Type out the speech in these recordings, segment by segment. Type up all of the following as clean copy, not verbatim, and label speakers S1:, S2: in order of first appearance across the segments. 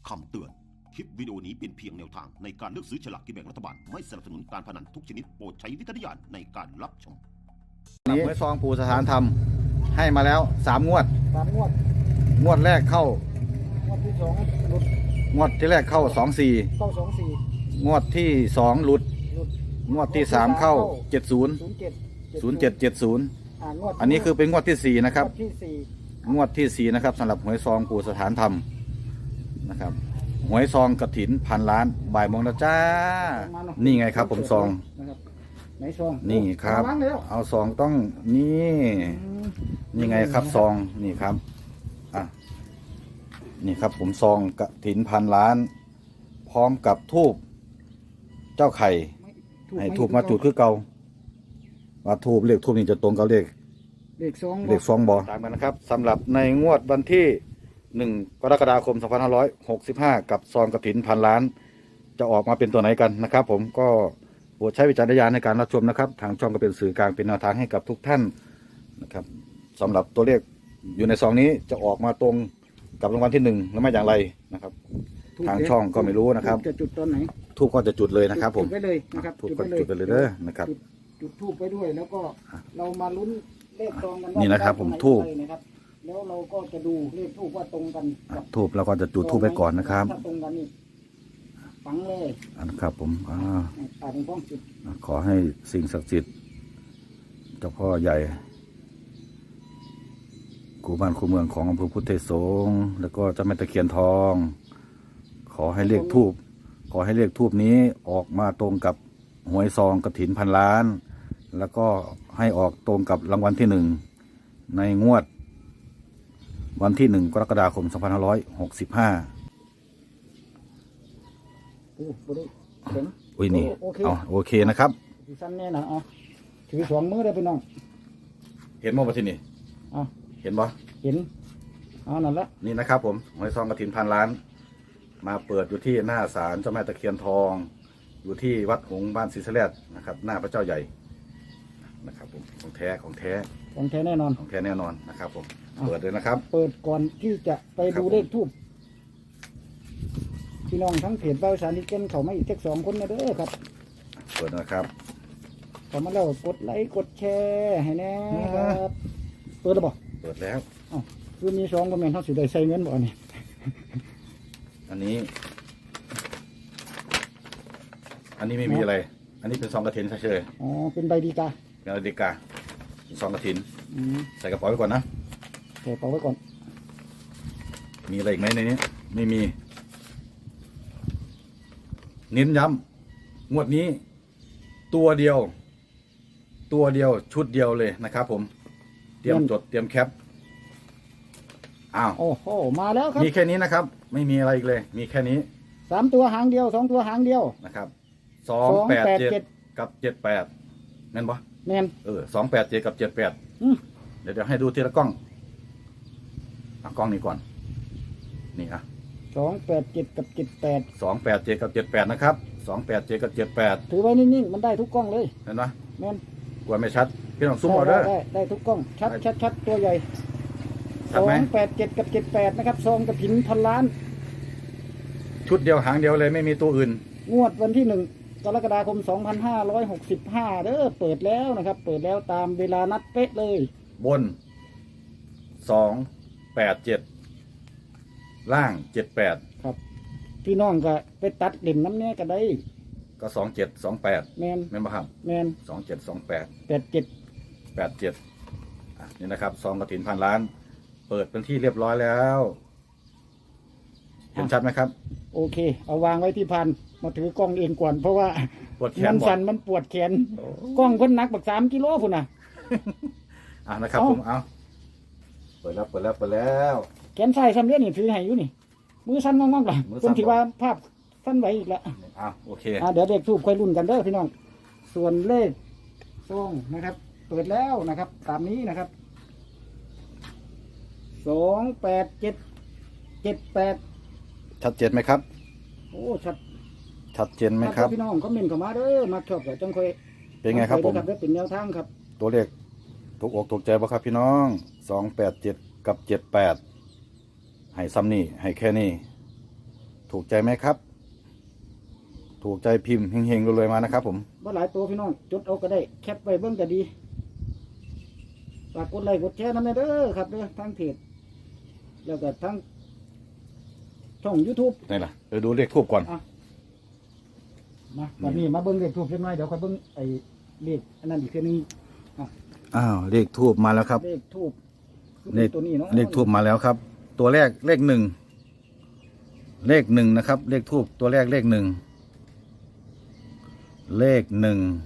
S1: คำเตือน คลิปวิดีโอนี้เป็นเพียงแนวทางในการเลือกซื้อฉลากกินแบ่งรัฐบาล ไม่สนับสนุนการพนันทุกชนิดโปรดใช้วิจารณญาณในการรับชม
S2: นี้ซองปู่สถานธรรมให้มาแล้ว3 งวด
S3: 3 งวด
S2: งวดแรกเข้าง
S3: วดที่2หลุด
S2: งวดที่แรกเข้า
S3: เข้า
S2: 24
S3: 24
S2: งวดที่2หลุด
S3: หลุด
S2: งวดที่3เข้า70
S3: 07
S2: 0770
S3: งวด
S2: อันนี้คือเป็นงวดที่4นะครับ
S3: งวดที่4
S2: งวดที่4นะครับสำหรับหวยซองปู่สถานธรรมนะครับหวยซองกฐิน1,000,000,000บ่ายโมงแล้วจ้านี่ไงครับผมซอง
S3: นะครับไหนซอง
S2: นี่ครับเอาซองต้องนี่ไงครับซองนี่ครับอ่ะนี่ครับผมซองกฐิน1,000,000,000พร้อมกับธูปเจ้าไข่ให้ธูปมาจุดคือเก่าว่าธูปเลขธูปนี่จะตรงกับเลขซองบ่ตามกันนะครับสำหรับในงวดวันที่1 กรกฎาคม 2565กับซองกฐิน1,000,000,000จะออกมาเป็นตัวไหนกันนะครับผมก็โปรดใช้วิจารณญาณในการรับชมนะครับทางช่องก็เป็นสื่อกลางเป็นแนวทางให้กับทุกท่านนะครับสำหรับตัวเลขอยู่ในซองนี้จะออกมาตรงกับรางวัลที่1แล้วไม่อย่างไรนะครับทางช่องก็ไม่รู้นะครับ
S3: จะจุดตอนไหน
S2: ทูบก็จะจุดเลยนะครับผม
S3: จุดไปเลยนะครับ
S2: ทูบก็จุดไปเลยเด้อนะครับ
S3: จุดทูบไปด้วยแล้วก็เรามาลุ้นเลขซองกันว่า
S2: นี่นะครับผมทูบ
S3: แล้วเราก็จะดูเลขทูบว่าตรงกัน
S2: ทูบเราก็จะจุดทูบไปก่อนนะครับ
S3: ถ้าตรงกันนี่ฝังเลย
S2: ครับผม
S3: เป็นพ้องจุด
S2: ขอให้สิ่งศักดิ์สิทธิ์เจ้าพ่อใหญ่กูบ้านคูเมืองของอำเภอพุทธสงฆ์แล้วก็เจ้าแม่ตะเคียนทองขอให้เลขทูบนี้ออกมาตรงกับหวยซองกฐิน1,000,000,000แล้วก็ให้ออกตรงกับรางวัลที่1ในงวดวันที่1 กรกฎาคม 2565อุ้ยนี่เอาโอเคนะครับ
S3: สั้นแน่นะเอาถือ2 มือได้พี่น้อง
S2: เห็นมั้ยที่นี่เห็นบ่
S3: เห็นนั่นละ
S2: นี่นะครับผมหวยซองกฐิน1,000,000,000มาเปิดอยู่ที่หน้าศาลเจ้าแม่ตะเคียนทองอยู่ที่วัดหงส์บ้านศรีสะแลดนะครับหน้าพระเจ้าใหญ่นะครับผมของแท้
S3: แน่นอน
S2: นะครับผมเปิดเลยนะครับ
S3: เปิดก่อนที่จะไปดูเลขทูบพี่น้องทั้งเพจบ่าวสารที่เก่นเขามาอีกแค่2 คนนะเด้อครับ
S2: เปิดนะครับ
S3: เขามาแล้วกดไลค์กดแชร์ให้แน่ครับเปิดแล้วบ่
S2: เปิดแล้ว
S3: คือมี2คอมเมนต์เขาสิได้ใส่เงินบ่นี่
S2: อันนี้ไม่มีอะไรอันนี้เป็นซองกฐินเฉย
S3: ๆเป็นใบดีกา
S2: ซองกฐินใส่กระเป๋าไว้ก่อนนะ
S3: ใส่กระเป๋าไว้ก่อน
S2: มีอะไรอีกไหมในนี้ไม่มีเน้นย้ำงวดนี้ตัวเดียวชุดเดียวเลยนะครับผมเตรียมจดเตรียมแคป
S3: โอ้โหมาแล้วครับ
S2: มีแค่นี้นะครับไม่มีอะไรอีกเลยมีแค่นี้
S3: 3 ตัวหางเดียว2 ตัวหางเดียว
S2: นะครับ287กับ78แม่นปะ
S3: แม่น
S2: 287กับ78เดี๋ยวให้ดูทีละกล้องกล้องนี้ก่อนนี่
S3: 287กับ78
S2: 287กับ78นะครับ287กับ78
S3: ถือไว้นิ่งๆมันได้ทุกกล้องเลย
S2: เห็นปะ
S3: แม่น
S2: กลัวไม่ชัดพี่น้องซูมเอาเด้อ
S3: ได้ทุกกล้องชัดตัวใหญ่287กับ78นะครับซองกฐิน1,000,000,000
S2: ชุดเดียวหางเดียวเลยไม่มีตัวอื่น
S3: งวดวันที่1 กรกฎาคม 2565เด้อเปิดแล้วนะครับเปิดแล้วตามเวลานัดเป๊ะเลย
S2: บน287ล่าง78
S3: ครับพี่น้องก็ไปตัดเล่มน้ำเนี้ยก็ได้
S2: ก็2728
S3: แม่น
S2: บ่ครับ
S3: แม่น
S2: 87นี่นะครับซองกฐิน1,000,000,000เปิดเป็นที่เรียบร้อยแล้วเห็นชัดไหมครับ
S3: โอเคเอาวางไว้ที่พันมาถือกล้องเองก่อนเพราะว่ามันสั่นมันปวดแขนกล้องคนหนักบัก3 กิโลพุ่นน่ะ
S2: นะครับผมเปิดแล้ว
S3: แขนซ้ายซ้ำเนี้ยนี่ถือให้อยู่นี่มือสั่นงองๆล่ะผมถือว่าภาพสั่นไหวอีกแล้ว
S2: โอเค
S3: เดี๋ยวเด็กทูบค่อยรุ่นกันเด้อพี่น้องส่วนเลขซองนะครับเปิดแล้วนะครับตามนี้นะครับ28778
S2: ชัดเจนไหมครับ
S3: โอ้
S2: ชัดเจนไหมครับ
S3: พี่น้องคอมเมนต์เข้ามาเด้อมาชอบจังค่อย
S2: เป็นไงครับผม
S3: เป็นแนวทางครับ
S2: ตัวเลขถูกอกถูกใจป่ะครับพี่น้อง287กับ78ให้ซ้ำนี่ให้แค่นี้ถูกใจไหมครับ ถูกใจพิมพ์เฮงๆรวยๆมานะครับผม
S3: ว่าหลายตัวพี่น้องจดเอาก็ได้แคปไว้เบิ่งก็ดีฝากกดไลค์กดแชร์นำเด้อครับเด้อทั้งเพจแล้วก็ทั้งช่อง YouTube
S2: นี่ล่ะดูเลขทูบก่อน
S3: มาวันนี้มาเบิ่งเลขทูบเล็กน้อยเดี๋ยวค่อยเบิ่งไอ้เลขอันนั้นอีกทีนึง
S2: อ้าวเลขทูบมาแล้วครับ
S3: เลขทูบ
S2: เลข
S3: ตัวนี้เนาะ
S2: เลขทูบมาแล้วครับ ตัวแรกเลข 1เลข 1นะครับ เลขทูบตัวแรกเลข 1เลข 1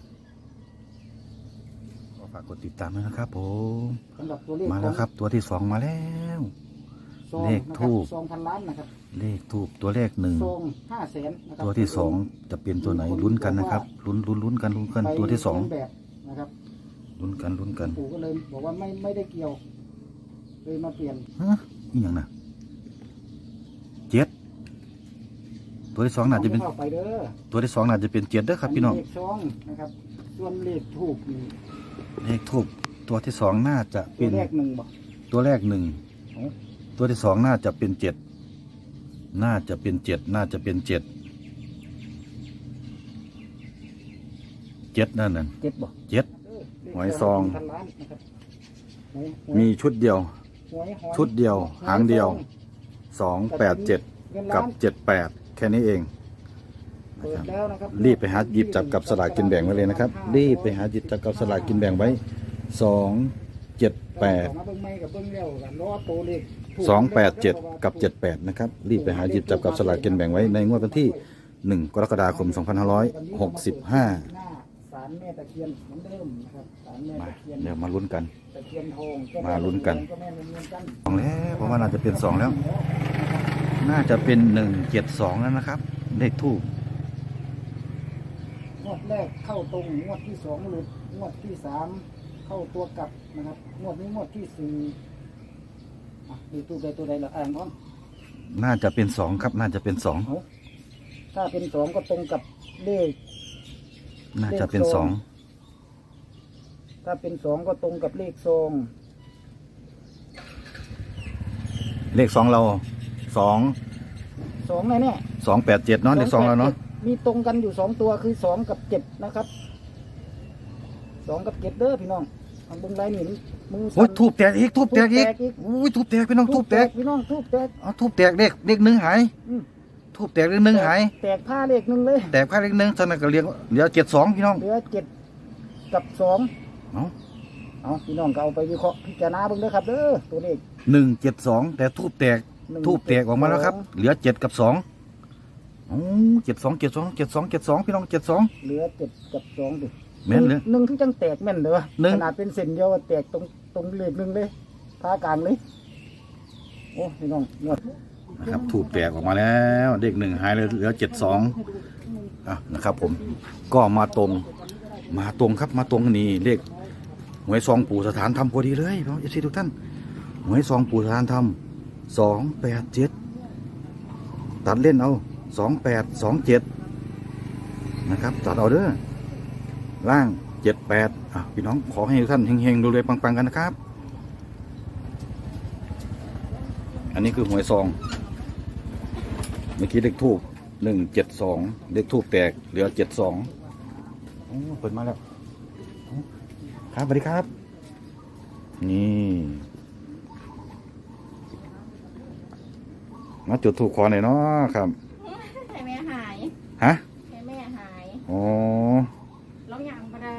S2: ก็ฝากกดติดตามด้วยนะครับผม
S3: สำหรับตัวเลข
S2: มาแล้วครับ ตัวที่ 2มาแล้ว
S3: ซอง
S2: เลขทูบ
S3: ซองพันล้านนะครับ
S2: เลขทูบตัวเลข
S3: ซอง500,000นะครับ
S2: ตัวที่ 2จะเป็นตัวไหนลุ้นกันนะครับลุ้นกันตัวที่
S3: ไปเรียนแบบนะครับ
S2: 2ลุ้นกัน
S3: ปู่ก็เลยบอกว่าไม่ได้เกี่ยวเลยมาเปลี่ยน
S2: ฮะนี่อย่างน่ะ7ตัวที่ 2น่าจะเป็น
S3: เข้าไปเด้อ
S2: ตัวที่ 2น่าจะเป็น7เด้อครับพี่น้อง
S3: เลขซองนะครับส่วนเลขทูบนี่
S2: เลขทูบตัวที่ 2น่าจะ
S3: ตั
S2: เป็
S3: วน แรก1บ่
S2: ตัวแรก 1
S3: โอ้
S2: ตัวที่ 2น่าจะเป็น7น่าจะเป็น7น่าจะเป็น7 7นั่นน่ะ
S3: เจ็ดบ่
S2: 7 หวยซอง
S3: พันล้านนะครับหวย
S2: มีชุดเดียว
S3: หวยหอย
S2: ชุดเดียวหางเดียว
S3: ซอง
S2: 287
S3: เงิน
S2: กั
S3: ล้า
S2: บ
S3: น
S2: 78แค่นี้เอง
S3: เปิดแล้วนะครับ
S2: รีบไปหาหยิบจับกับสลากกินแบ่งไว้เลยนะครับ รีบไปหาหยิบจับกับสลากกินแบ่งไว้ 278
S3: มาเบิ่งไม่กับเบิ่งแล้วกันรอตัวเลขถูก
S2: 287 กับ 78 นะครับ รีบไปหาหยิบจับกับสลากกินแบ่งไว้ในงวดวันที่ 1 กรกฎาคม 2565
S3: หน้าศาลแม่ตะเคียนเหมือนเดิมนะครับศาลแม่
S2: มา
S3: ตะเคียน
S2: เดี๋ยวมาลุ้นกัน
S3: ตะเคียนทอง
S2: มาลุ้นกัน
S3: ก็แม่นเงินกัน
S2: 2แล้วเพราะว่าน่าจะเป็น 2 แล้ว น่าจะเป็น 172 แล้วนะครับ เลขทูบ
S3: งวดแรกเข้าตรงงวดที่สองหลุดงวดที่สามเข้าตัวกลับนะครับงวดนี้งวดที่สี่ดูตัวใดตัวใดละอ่างพร้อม
S2: น่าจะเป็น 2 ครับ น่าจะเป็น
S3: ถ้าเป็นสองก็ตรงกับเลข
S2: 2 น่าจะเป็น
S3: ถ้าเป็นสองก็ตรงกับเลขซอง
S2: 2 เลข 2 เรา 2
S3: สองแน่
S2: 287 เนาะเลข 2 เราเนาะ
S3: มีตรงกันอยู่สองตัวคือสองกับเจ็ดนะครับสองกับเจ็ดเด้อพี่น้องทางเบิ้งไรนี่มือ
S2: โอ้ยทูบแตกอีกทูบแตกอีกอุ้ยทูบแตกพี่น้องทูบแตก
S3: พี่น้องทูบแตก
S2: เอาทูบแตกเลขหนึ่งหาย
S3: อืม
S2: ทูบแตกเลขหนึ่งหาย
S3: แตกผ้าเลขหนึ่งเลย
S2: แตกค่าเลขหนึ่งตอนนั้นก็เรียกเดี๋ยว72พี่น้อง
S3: เหลือเจ็ดกับสอง
S2: เนาะ
S3: เอาพี่น้องก็เอาไปวิเคราะห์พิจารณาเบิ่งเด้อครับเด้อตัวเลข
S2: 172แต่ทูบแตกออกมาแล้วครับ เหลือ7กับ2โอ้72พี่น้อง72
S3: เหลือเจ็ดกับสองดิ
S2: แม่นเลย
S3: หนึ่งที่จังแตกแม่นเด้อ
S2: หนึ่ง
S3: ขนาดเป็นเส้นเดียวแตกตรงเลขหนึ่งเลยผ้ากลางเลยโอ้พี่น้องงวด
S2: นะครับทูบแตกออกมาแล้วเลขหนึ่งหายเลยเหลือ72อ่ะนะครับผมก็มาตรงครับมาตรงนี่เลขหวยซองปู่สถานธรรมพอดีเลยพี่น้องทุกท่านหวยซองปู่สถานธรรม287ตัดเล่นเอา2827นะครับตัดเอาเด้อล่าง78พี่น้องขอให้ทุกท่านเฮงๆรวยๆปังๆกันนะครับอันนี้คือหวยซองเมื่อกี้เลขทูบ172เลขทูบแตกเหลือ72โอ้เปิดมาแล้วครับสวัสดีครับนี่มาจุดถูกคอหน่อยเนาะครับ
S4: ให้แม่หาย
S2: ฮะ
S4: ให้แม่หาย
S2: อ๋อ
S4: ร้องยังไม่ได้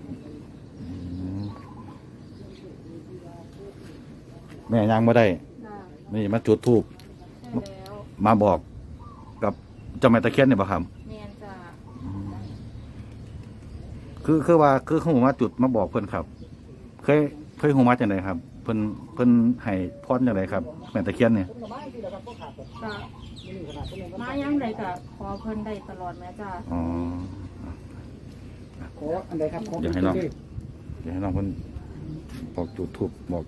S2: แม่ยังไม่ได้
S4: ได้
S2: นี่มาจุดทูบ
S4: ได้แล้ว
S2: มาบอกกับเจ้าแม่ตะเคียนเนี่ยป่ะครับ
S4: เมียนจะ
S2: คือว่าคือหูมาจุดมาบอกเพื่อนครับ เคยหูมาจากไหนครับ เพิ่นให้พรจากไหนครับแม่ตะเคียนเนี่ย
S4: จะมายังไดก็ขอเพิ่นได้ตลอดแม่จ้า
S2: อ๋อ
S3: ขออันใดครับขอ
S2: เดี๋ยวให้น้อง เดี๋ยวให้น้องเพิ่นบอกจุดทูบบอก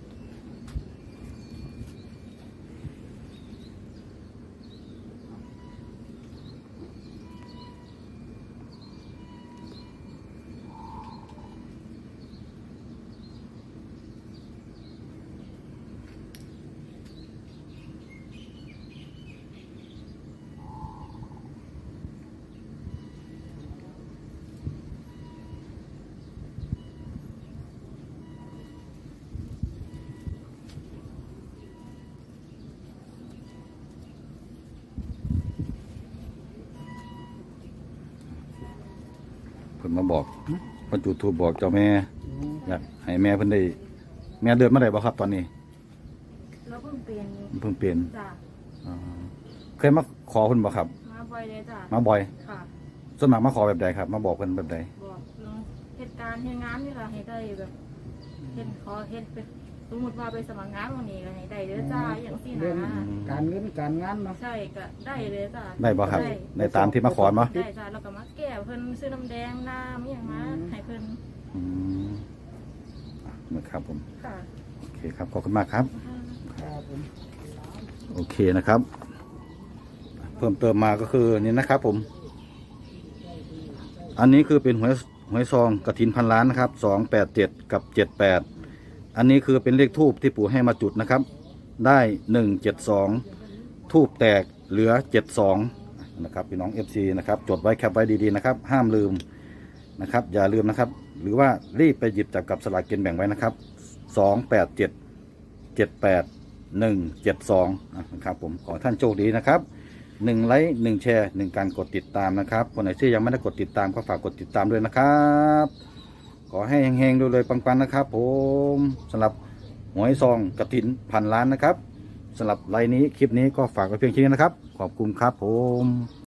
S2: พิ่นมาบอกเพิ่นจุดธูปบอกเจ้าแม่อยากให้แม่เพิ่นได้แม่เดินมาได้บ่ครับตอนนี้
S4: แล้วเพิ่งเปลี่ยน
S2: เพิ่งเปลี่ยน
S4: จ้ะ
S2: อ่าเคยมาขอเพิ่นบ่ครับ
S4: มาบ่อยเลยจ้ะ
S2: มาบ่อย
S4: ค่ะ
S2: ส่วนมากมาขอแบบใดครับ มาบอกเพิ่นแบบใด
S4: บอกเรื่องเหตุการณ์เหตุงานนี่ล่ะให้ได้แบบเห็นขอเห็นเป็นสมมติว่าไปสมัครงานวันนี้ก็ให้ได้เด้อจ้าอย่างสี่
S3: เรื่อง
S4: นะ
S3: การเงินการงานเนาะ
S4: ใช่ก็ได้เลยจ้า
S2: ได้บ่ครับในตามที่มาขอบ่
S4: ได้จ้าแล้วก็มาแก้เพิ่นซื้อน้ำแดงน้ำอหย่างมาให้เพิ่น
S2: อืมนะครับผม
S4: ค่ะ
S2: โอเคครับขอบคุณมากครับ
S3: ครับผม
S2: โอเคนะครับ เพิ่มเติมมาก็คือนี่นะครับผม อันนี้คือเป็นหวยซองกฐินพันล้านนะครับ287กับ78อันนี้คือเป็นเลขทูบที่ปู่ให้มาจุดนะครับ ได้172ทูบแตกเหลือ72นะครับพี่น้อง FC นะครับจดไว้แคปไว้ดีๆนะครับ ห้ามลืมนะครับ อย่าลืมนะครับ หรือว่ารีบไปหยิบจับกับสลากกินแบ่งไว้นะครับ287 78 172นะครับผมขอท่านโชคดีนะครับ1ไลค์1แชร์1การกดติดตามนะครับคนไหนที่ยังไม่ได้กดติดตามก็ฝากกดติดตามด้วยนะครับขอให้เฮงๆเลยปังๆนะครับผมสำหรับหวยซองกฐินพันล้านนะครับสำหรับไลน์นี้คลิปนี้ก็ฝากไว้เพียงแค่นี้นะครับขอบคุณครับผม